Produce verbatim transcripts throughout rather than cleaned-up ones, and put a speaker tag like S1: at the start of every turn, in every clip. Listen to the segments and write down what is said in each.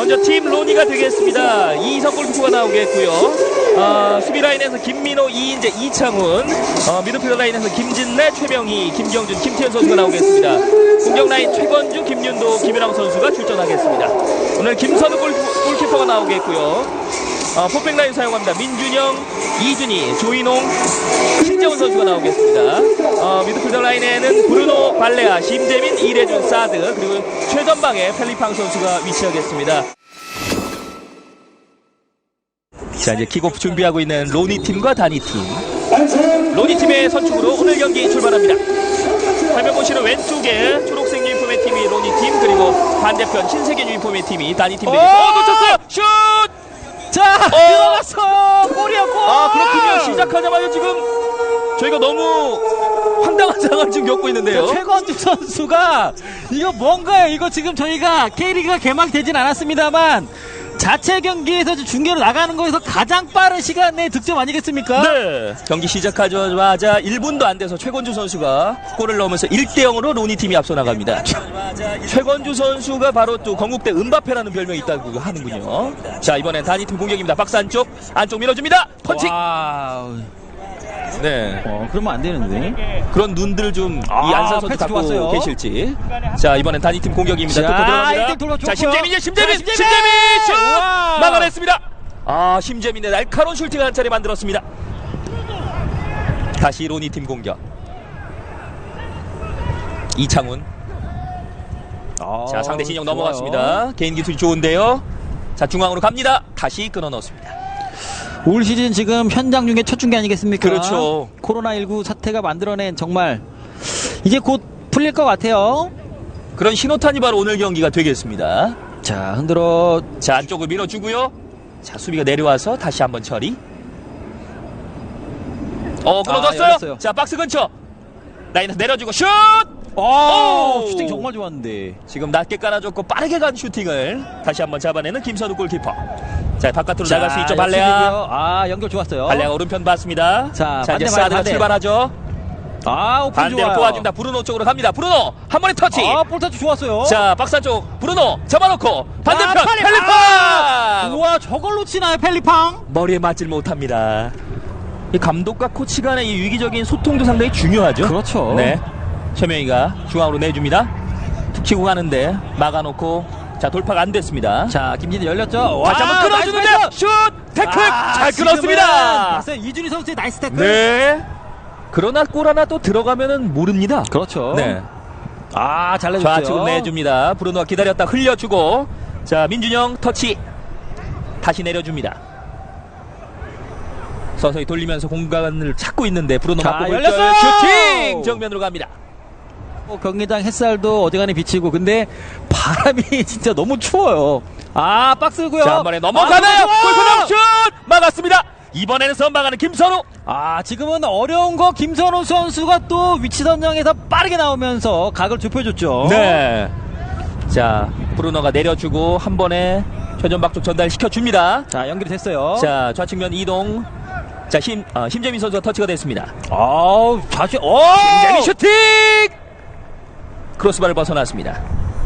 S1: 먼저 팀 로니가 되겠습니다. 이희석 골키퍼가 나오겠고요. 어, 수비 라인에서 김민호, 이인재, 이창훈, 어, 미드필더 라인에서 김진래, 최명희, 김경준, 김태현 선수가 나오겠습니다. 공격 라인 최건주, 김윤도, 김윤왕 선수가 출전하겠습니다. 오늘 김선우 골, 골키퍼가 나오겠고요. 어, 포백 라인 사용합니다. 민준영, 이준희, 조인홍, 신재훈 선수가 나오겠습니다. 어, 미드필더 라인에는 브루노 발레아, 심재민, 이래준, 사드, 그리고 최전방에 펠리팡 선수가 위치하겠습니다. 자, 이제 킥오프 준비하고 있는 로니 팀과 다니 팀. 로니 팀의 선축으로 오늘 경기 출발합니다. 화면 보시는 왼쪽에 초록색 유니폼의 팀이 로니 팀, 그리고 반대편 흰색 유니폼의 팀이 다니 팀 되겠습니다. 어, 놓쳤어요! 슛!
S2: 자, 어! 들어갔어! 골이야, 골!
S1: 아, 그렇군요. 시작하자마자 지금 저희가 너무 황당한 상황을 지금 겪고 있는데요.
S2: 최건주 선수가 이거 뭔가요? 이거 지금 저희가 K리그가 개막되진 않았습니다.만 자체 경기에서 중계로 나가는 거에서 가장 빠른 시간 내에 득점 아니겠습니까?
S1: 네. 경기 시작하자마자 일 분도 안 돼서 최건주 선수가 골을 넣으면서 일 대 영으로 로니 팀이 앞서 나갑니다. 최건주 선수가 바로 또 건국대 은바페라는 별명이 있다고 하는군요. 자, 이번엔 다니팀 공격입니다. 박스 안쪽, 안쪽 밀어줍니다. 펀칭!
S2: 와우.
S1: 네.
S2: 어, 그러면 안 되는데.
S1: 그런 눈들 좀 이
S2: 아,
S1: 안산 선수
S2: 패스
S1: 갖고
S2: 좋았어요.
S1: 계실지. 자, 이번엔 다니팀 공격입니다.
S2: 자,
S1: 뚫고 들어갑니다.
S2: 일등 돌파
S1: 자,
S2: 좋고요.
S1: 심재민이요, 심재민!
S2: 자, 심재민!
S1: 심재민! 슛!
S2: 우와!
S1: 막아냈습니다. 아, 심재민의 날카로운 슈팅을 한 차례 만들었습니다. 다시 로니 팀 공격. 이창훈.
S2: 아,
S1: 자, 상대 진영
S2: 좋아요.
S1: 넘어갔습니다. 개인 기술이 좋은데요. 자, 중앙으로 갑니다. 다시 끊어 넣었습니다.
S2: 올 시즌 지금 현장 중에 첫 중계 아니겠습니까?
S1: 그렇죠.
S2: 코로나십구 사태가 만들어낸 정말 이제 곧 풀릴 것 같아요.
S1: 그런 신호탄이 바로 오늘 경기가 되겠습니다.
S2: 자, 흔들어.
S1: 자, 안쪽을 밀어주고요. 자, 수비가 내려와서 다시 한번 처리. 어, 끊어졌어요.
S2: 아,
S1: 자, 박스 근처. 라인에서 내려주고 슛!
S2: 오,
S1: 오!
S2: 슈팅 정말 좋았는데.
S1: 지금 낮게 깔아줬고 빠르게 간 슈팅을 다시 한번 잡아내는 김선우 골키퍼. 자, 바깥으로
S2: 자,
S1: 나갈 수 있죠, 발레아.
S2: 역습이고요. 아, 연결 좋았어요.
S1: 발레아 오른편 봤습니다.
S2: 자,
S1: 자, 이제
S2: 반대,
S1: 사드가
S2: 반대.
S1: 출발하죠.
S2: 아, 오픈
S1: 반대로
S2: 좋아요.
S1: 도와줍니다. 브루노 쪽으로 갑니다. 브루노 한 번에 터치.
S2: 아, 볼타치 좋았어요.
S1: 자, 박스 쪽 브루노 잡아놓고 반대편
S2: 아, 펠리팡!
S1: 펠리팡.
S2: 우와, 저걸 놓치나요, 펠리팡?
S1: 머리에 맞질 못합니다. 이 감독과 코치 간의 이 위기적인 소통도 상당히 중요하죠.
S2: 그렇죠.
S1: 네. 최명희가 중앙으로 내줍니다. 툭 치고 가는데 막아놓고 자, 돌파가 안 됐습니다.
S2: 자, 김진희 열렸죠.
S1: 다시 한번 끊어주는데요. 슛! 태클!
S2: 아,
S1: 잘
S2: 지금은
S1: 끊었습니다.
S2: 봤어요. 이준희 선수의 나이스 태클.
S1: 네. 그러나 골 하나 또 들어가면은 모릅니다.
S2: 그렇죠.
S1: 네.
S2: 아, 잘 내줬어요.
S1: 좌측으로 내줍니다. 브루노가 기다렸다 흘려주고 자, 민준영 터치 다시 내려줍니다. 서서히 돌리면서 공간을 찾고 있는데 브루노
S2: 자,
S1: 맞고
S2: 열렸어요!
S1: 슈팅! 정면으로 갑니다.
S2: 어, 경기장 햇살도 어지간히 비치고 근데 바람이 진짜 너무 추워요. 아, 박스고요.
S1: 자, 한 번에 넘어가나요?
S2: 아,
S1: 골프당 슛! 막았습니다. 이번에는 선방하는 김선우.
S2: 아, 지금은 어려운 거 김선우 선수가 또 위치 선정에서 빠르게 나오면서 각을 좁혀줬죠.
S1: 네. 자, 브루노가 내려주고 한 번에 최전방 쪽 전달시켜줍니다.
S2: 자, 연결이 됐어요.
S1: 자, 좌측면 이동. 자, 힘, 어, 심재민 선수가 터치가 됐습니다.
S2: 아우, 좌측, 오!
S1: 심재민 슈팅! 크로스바를 벗어났습니다.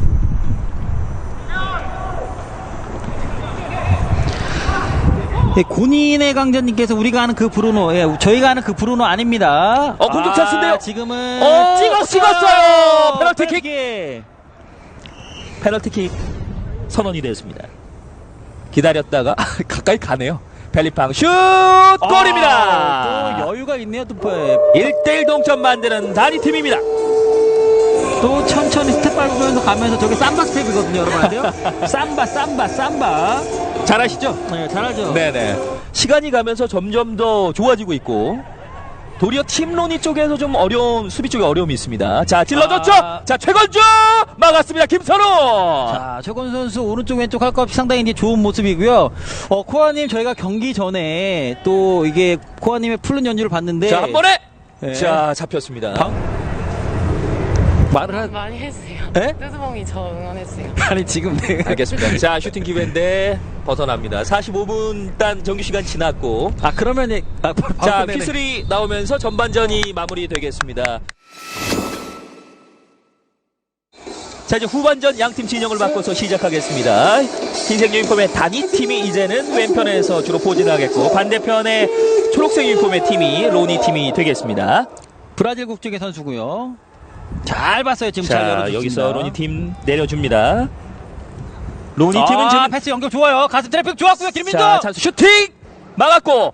S2: 예, 군인의 강자님께서 우리가 아는 그 브루노, 예, 저희가 아는 그 브루노 아닙니다.
S1: 어, 공격 찬스인데요?
S2: 아, 지금은
S1: 어,
S2: 찍었어요.
S1: 찍었어요. 페널티킥.
S2: 페널티킥.
S1: 페널티킥 선언이 되었습니다. 기다렸다가 가까이 가네요. 펠리팡 슛! 골입니다.
S2: 아, 또 여유가 있네요. 또,
S1: 일 대 일 동점 만드는 다니팀입니다.
S2: 또 천천히 스텝 밟으면서 가면서 저게 삼바 스텝이거든요, 여러분 아세요? 삼바, 삼바, 삼바.
S1: 잘하시죠?
S2: 네, 잘하죠.
S1: 네네. 시간이 가면서 점점 더 좋아지고 있고 도리어 팀 로니 쪽에서 좀 어려운 수비 쪽에 어려움이 있습니다. 자, 찔러줬죠?
S2: 아.
S1: 자, 최건주 막았습니다. 김선우.
S2: 자, 최건 선수 오른쪽 왼쪽 할 것 없이 상당히 이제 좋은 모습이고요. 어, 코아님 저희가 경기 전에 또 이게 코아님의 풀른 연주를 봤는데
S1: 자, 한 번에
S2: 네.
S1: 자, 잡혔습니다.
S2: 방... 말을 하...
S3: 많이 했어요.
S2: 에?
S3: 뜨드봉이 저 응원했어요.
S2: 아니 지금 내가
S1: 알겠습니다. 자, 슈팅 기회인데 벗어납니다. 사십오 분 일단 정규 시간 지났고
S2: 아 그러면 이- 아,
S1: 자,
S2: 바로 내내.
S1: 휘슬이 나오면서 전반전이 마무리되겠습니다. 자, 이제 후반전 양팀 진영을 바꿔서 시작하겠습니다. 흰색 유니폼의 단위팀이 이제는 왼편에서 주로 포진하겠고, 반대편의 초록색 유니폼의 팀이 로니 팀이 되겠습니다.
S2: 브라질 국적의 선수고요. 잘 봤어요. 지금 잘
S1: 자,
S2: 열어줬습니다.
S1: 여기서 로니 팀 내려줍니다. 로니
S2: 아,
S1: 팀은 지금
S2: 패스 연결 좋아요. 가슴 트래픽 좋았고요. 김민도.
S1: 자, 찬스 슈팅 막았고,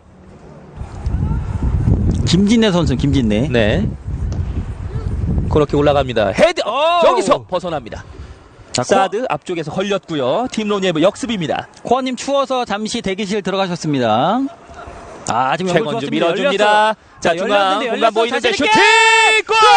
S2: 김진내 선수, 김진내.
S1: 네, 그렇게 올라갑니다. 헤드 어,
S2: 오!
S1: 여기서 벗어납니다.
S2: 자,
S1: 사드 앞쪽에서 걸렸고요. 팀 로니의 역습입니다.
S2: 코어님 추워서 잠시 대기실 들어가셨습니다. 아, 지금 연결
S1: 최건주
S2: 좋았습니다.
S1: 밀어줍니다.
S2: 열렸어요.
S1: 자,
S2: 자,
S1: 중앙
S2: 열렸는데,
S1: 공간
S2: 열렸어.
S1: 보이는데
S2: 자신
S1: 슈팅!
S2: 있게!
S1: 골!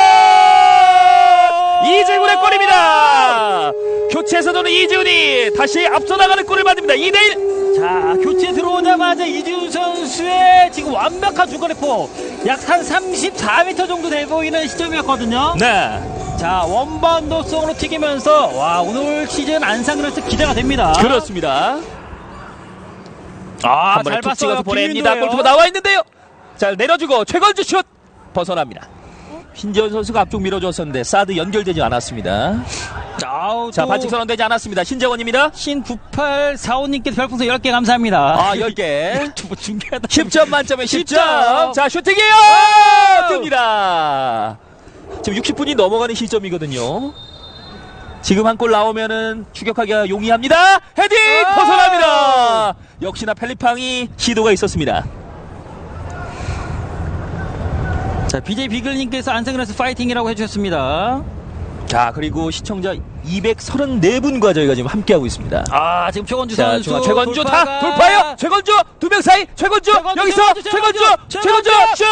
S1: 이재훈의 골입니다. 교체에서는 이재훈이 다시 앞서 나가는 골을 만듭니다. 이 대 일.
S2: 자, 교체 들어오자마자 이지훈 선수의 지금 완벽한 중거리포. 약 한 삼십사 미터 정도 돼 보이는 시점이었거든요.
S1: 네,
S2: 자, 원바운더성으로 튀기면서 와, 오늘 시즌 안상그래서 기대가 됩니다.
S1: 그렇습니다.
S2: 아,
S1: 한 번에
S2: 잘
S1: 툭
S2: 봤어요.
S1: 찍어서 보냅니다.
S2: 김민도예요.
S1: 골키퍼 나와 있는데요. 자, 내려주고 최건주 슛 벗어납니다. 신지현 선수가 앞쪽 밀어줬었는데 사드 연결되지 않았습니다.
S2: 아우,
S1: 자,
S2: 또
S1: 반칙 선언되지 않았습니다. 신재원입니다.
S2: 신 구팔사오님께 별풍선 열 개 감사합니다.
S1: 아, 열 개.
S2: 뭐 중계하다.
S1: 십 점 만점에 십 점.
S2: 십 점.
S1: 자, 슈팅이에요!
S2: 와우!
S1: 뜹니다. 지금 육십 분이 넘어가는 시점이거든요. 지금 한 골 나오면은 추격하기가 용이합니다. 헤딩!
S2: 와우!
S1: 벗어납니다. 역시나 펠리팡이 시도가 있었습니다.
S2: 자, 비제이 비글님께서 안상그래서 파이팅이라고 해주셨습니다.
S1: 자, 그리고 시청자 이백삼십사 분과 저희가 지금 함께하고 있습니다.
S2: 아, 지금 최건주
S1: 자,
S2: 선수
S1: 중앙 최건주
S2: 돌파가-
S1: 다 돌파요. 최건주 두 명 사이 최건주,
S2: 최건주,
S1: 여기서
S2: 최건주,
S1: 최건주
S2: 최건주,
S1: 최건주
S2: 최건주,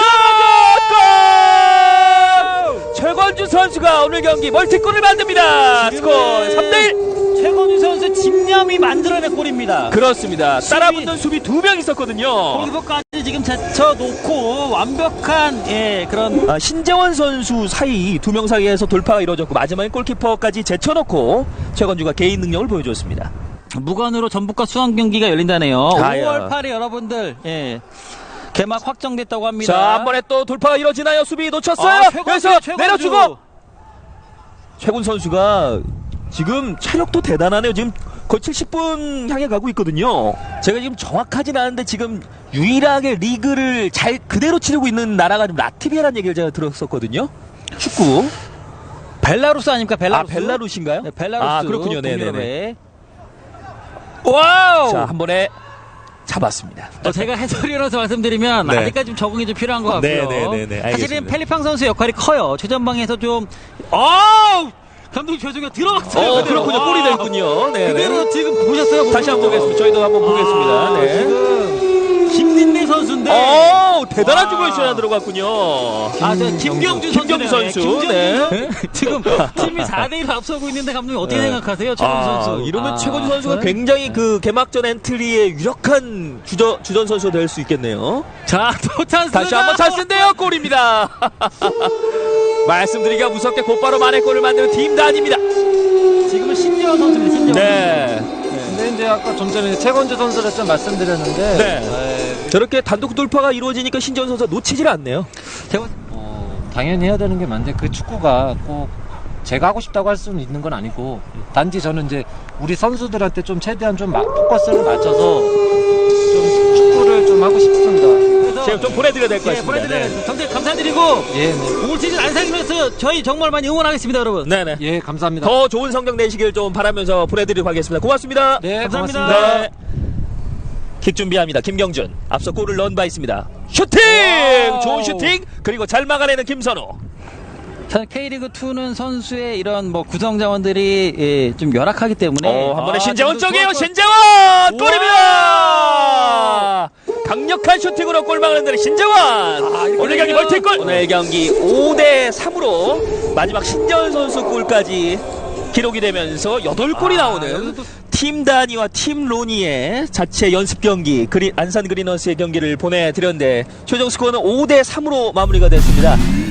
S1: 슛! 골! 최건주 선수가 오늘 경기 멀티골을 만듭니다. 스코어 삼 대 일.
S2: 최건주 선수 집념이 만들어낸 골입니다.
S1: 그렇습니다. 따라붙는 수비 두 명 있었거든요.
S2: 골키퍼까지 지금 제쳐놓고 완벽한 예 그런
S1: 아, 신재원 선수 사이 두 명 사이에서 돌파가 이루어졌고 마지막에 골키퍼까지 제쳐놓고 최건주가 개인 능력을 보여줬습니다.
S2: 무관으로 전북과 수원 경기가 열린다네요.
S1: 아야.
S2: 오월 팔일 여러분들 예 개막 확정됐다고 합니다.
S1: 자, 한 번에 또 돌파가 이루어지나요? 수비 놓쳤어요.
S2: 아, 최건주,
S1: 그래서
S2: 최건주.
S1: 내려주고 최군 선수가 지금 체력도 대단하네요. 지금 거의 칠십 분 향해 가고 있거든요. 제가 지금 정확하진 않은데 지금 유일하게 리그를 잘 그대로 치르고 있는 나라가 좀 라트비아라는 얘기를 제가 들었었거든요. 축구.
S2: 벨라루스 아닙니까? 벨라루스.
S1: 아, 벨라루스인가요?
S2: 네, 벨라루스.
S1: 아, 그렇군요. 네네네.
S2: 동유럽에. 와우.
S1: 자, 한 번에 잡았습니다.
S2: 어, 제가 해설위원으로서 말씀드리면
S1: 네.
S2: 아직까지 좀 적응이 좀 필요한 것 같고요.
S1: 네네네네, 알겠습니다.
S2: 사실은 펠리팡 선수 역할이 커요. 최전방에서 좀 어우 감독님 죄송해요. 들어갔어요.
S1: 어,
S2: 그대로.
S1: 그렇군요.
S2: 와.
S1: 골이 됐군요. 네.
S2: 그대로 지금 보셨어요?
S1: 다시 한번 보겠습니다. 저희도 한번 보겠습니다.
S2: 아,
S1: 네.
S2: 지금 김진내 선수인데.
S1: 오, 대단한
S2: 와.
S1: 주골 슛이 들어갔군요.
S2: 아, 저 김경준 선수.
S1: 김경준 선수. 네.
S2: 지금 팀이 사 대 일로 앞서고 있는데 감독님 어떻게
S1: 네.
S2: 생각하세요? 최건주
S1: 아,
S2: 선수.
S1: 이러면
S2: 아.
S1: 최건주 선수가
S2: 네.
S1: 굉장히 그 개막전 엔트리의 유력한 주전, 주전 선수가 될 수 있겠네요.
S2: 자, 또 찬스.
S1: 다시 한번 찬스인데요. 골입니다. 말씀드리기가 무섭게 곧바로 만회 골을 만드는 팀 단입니다.
S2: 지금은 신재원 선수입니다. 신재원.
S1: 네.
S3: 근데 이제 아까 좀 전에 최건주 선수를 좀 말씀드렸는데
S1: 네.
S3: 에,
S1: 저렇게 단독 돌파가 이루어지니까 신재원 선수가 놓치질 않네요.
S2: 재원.
S3: 어, 당연히 해야 되는 게 맞는데 그 축구가 꼭 제가 하고 싶다고 할 수는 있는 건 아니고 단지 저는 이제 우리 선수들한테 좀 최대한 좀 마- 포커스를 맞춰서 좀 축구를 좀 하고 싶습니다.
S1: 제가 좀 보내드려야 될 것
S2: 예,
S1: 같습니다.
S2: 보내드려요. 정말 감사드리고
S3: 예, 네.
S2: 올 시즌 안상위에서 저희 정말 많이 응원하겠습니다, 여러분.
S1: 네. 네네.
S3: 예, 감사합니다.
S1: 더 좋은 성적 내시길 좀 바라면서 보내드리도록 하겠습니다. 고맙습니다.
S3: 네,
S2: 감사합니다.
S3: 고맙습니다.
S1: 네. 킥 준비합니다. 김경준. 앞서 골을 넣은 바 있습니다. 슈팅!
S2: 와우.
S1: 좋은 슈팅! 그리고 잘 막아내는 김선우.
S2: K리그이는 선수의 이런 뭐 구성 자원들이 예, 좀 열악하기 때문에
S1: 어, 한 번에
S2: 아,
S1: 신재원
S2: 지금도
S1: 쪽이에요.
S2: 좋았고.
S1: 신재원! 골입니다! 강력한 슈팅으로 골 막는 데는 신재원!
S2: 아, 이렇게
S1: 오늘 경기
S2: 되면-
S1: 멀티골! 오늘 경기 오 대 삼으로 마지막 신재원 선수 골까지 기록이 되면서 여덟 골이
S2: 아,
S1: 나오는
S2: 여기서 또-
S1: 팀 다니와 팀 로니의 자체 연습 경기 그린, 안산 그리너스의 경기를 보내드렸는데 최종 스코어는 오 대 삼으로 마무리가 됐습니다.